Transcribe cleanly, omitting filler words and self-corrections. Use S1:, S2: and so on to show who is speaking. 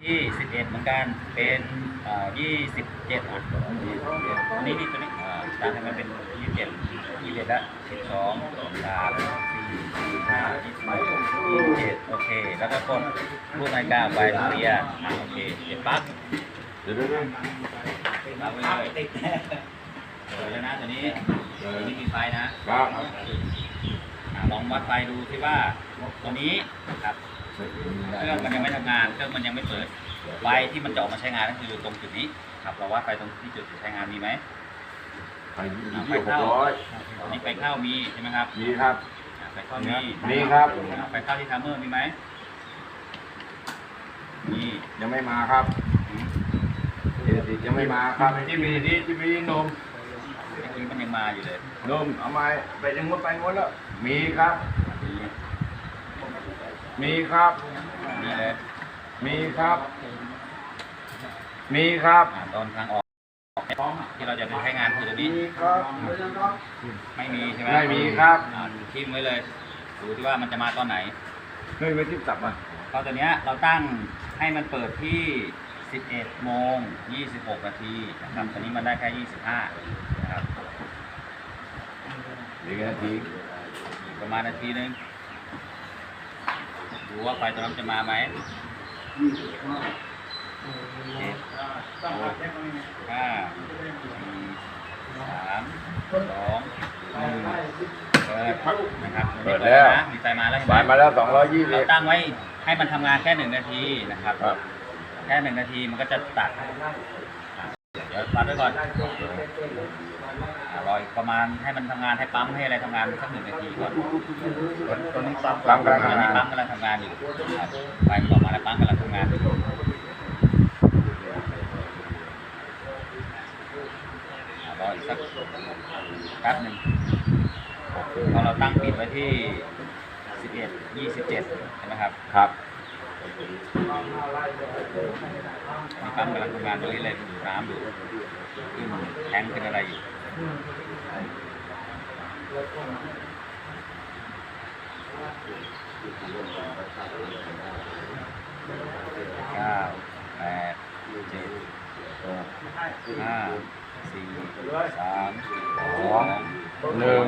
S1: ที่11เหมือนกันเป็น27อันนี้ตัวนี้ตั้งให้มันเป็น27แล้ว12 3 4 5 27โอเคแล้วก็กดรูปนาฬิกาไปเรียโอเคเดี๋ยวปั๊บปั๊บไปเลยแล้วนะตัวนี้มีไฟนะครับลองวัดไฟดูที่ว่าตัวนี้ครับเครื่องมันยังไม่ทำงานเครื่องมันยังไม่เปิดไฟที่มันจะออกมาใช้งานก็คือตรงจุดนี้ครับเราวัดไฟตรงที่จุดใช้งานมีไหม
S2: ไฟเข้า
S1: นี่ไฟเข้ามีใช่ไหมครับ
S2: มีครับ
S1: ไฟเข้า
S2: มีครับ
S1: ไฟเข้าที่ทัมเมอร์มีไหมมี
S2: ยังไม่มาครับยังไม่มาครับที่มีนม
S1: มันยังมาอยู่เลย
S2: นมเอามาไปยังงดไปงดแล้วมีครับมีครับ
S1: มีเลย
S2: มีครับมีครับ
S1: ตอนทางออกที่เราจะใช้งานคือตัวนี้ไม่มีใช่ไหม
S2: ไม่มีครับ
S1: ทิ้งไว้เลยดูที่ว่ามันจะมาตอนไหน
S2: ไม่ทิ้งตับมา
S1: เพราะตัวนี้เราตั้งให้มันเปิดที่11 โมง 26 นาทีนะครับตอนนี้มันได้แค่ 25 นะครับ
S2: อีกนาที
S1: ประมาณนาทีนึงดูว่าไฟตัวนั้นจะมาไหม7 6 5 4 3 2 1นะครับ
S2: เปิดแล้ว
S1: มีไฟมาแล้ว
S2: ไฟมาแล้ว220
S1: เราตั้งไว้ให้มันทำงานแค่1 นาทีนะครับแค่1 นาทีมันก็จะตัดเดี๋ยวตัดไว้ก่อนรออีกประมาณให้มันทำงานให้ปั๊มให้อะไรทำงานสัก1 นาทีก่อน
S2: ตอนนี้ปั๊มกำลังทำงาน
S1: ปั๊มกำลังทำงานอยู่ครับไฟออกมาแล้วปั๊มกำลังทำงานอยู่รออีกสักแป๊บหนึ่งพอเราตั้งปิดไว้ที่11 27ใช่ไหมครับ
S2: ครับ
S1: มีปั๊มกำลังทำงานตรงนี้เลยดูน้ำดูขึ้นแทงเป็นอะไรอยู่9 8 7 6 5 4 3 2 1